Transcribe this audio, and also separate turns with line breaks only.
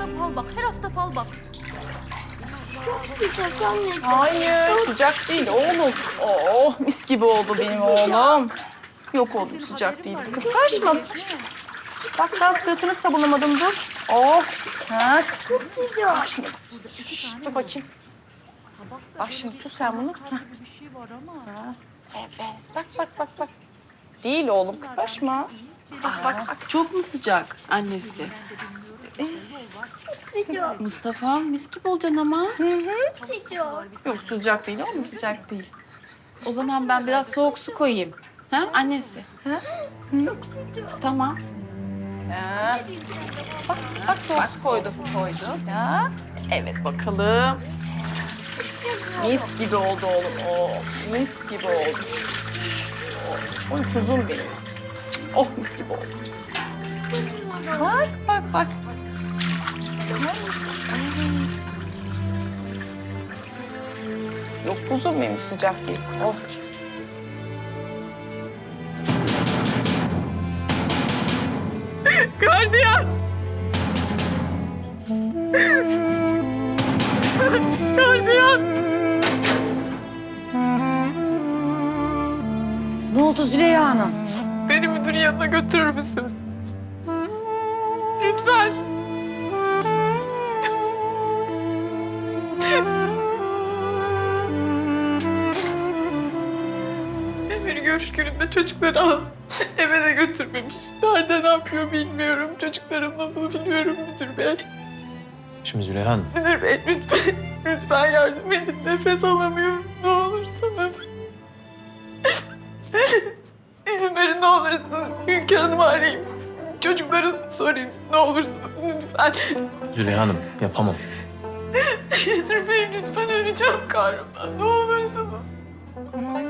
fal bak. Her hafta fal bak.
Sıcak anne.
Hayır, sıcak değil oğlum. Oh, mis gibi oldu benim oğlum. Yok oğlum, sıcak değil. Kıpraşma. Bak daha sırtını sabunlamadım, dur. Oh, ha.
Çok sıcak.
Bak şimdi. Şşş, dur bakayım. Bak şimdi tut sen bunu. Hah.
Bir şey var ama.
Ha, evet, bak. Değil oğlum, kıpraşma. Bak.
Çok mu sıcak annesi?
Sıcak.
Mustafa mis gibi olacaksın ama.
Sıcak.
Yok, sıcak değil oğlum, sıcak değil.
O zaman ben biraz soğuk su koyayım. Ha annesi?
Çok sıcak.
Tamam.
Ha. Bak soğuk su koydum. Ya. Evet bakalım. Mis gibi oldu oğlum. Oh, mis gibi oldu. Oh, oy kuzum benim. Oh mis gibi oldu. Bak. Yok kuzum benim sıcak değil. Oh. Gardiyan! Gardiyan!
Ne oldu Züleyha Hanım?
Beni müdürün yanına götürür müsün? Lütfen. Emir görüş gününde çocukları al. Eve de götürmemiş. Nerede ne yapıyor bilmiyorum. Çocuklarım nasıl biliyorum müdür bey.
Şimdi Züleyha Hanım,
Müdür bey lütfen yardım edin. Nefes alamıyorum ne olursunuz. İzin verin ne olursunuz. Hünkar Hanım'ı arayayım. Çocukları sorayım ne olursunuz lütfen.
Züleyha Hanım yapamam.
Müdür bey lütfen öleceğim kahrımdan ne olursunuz.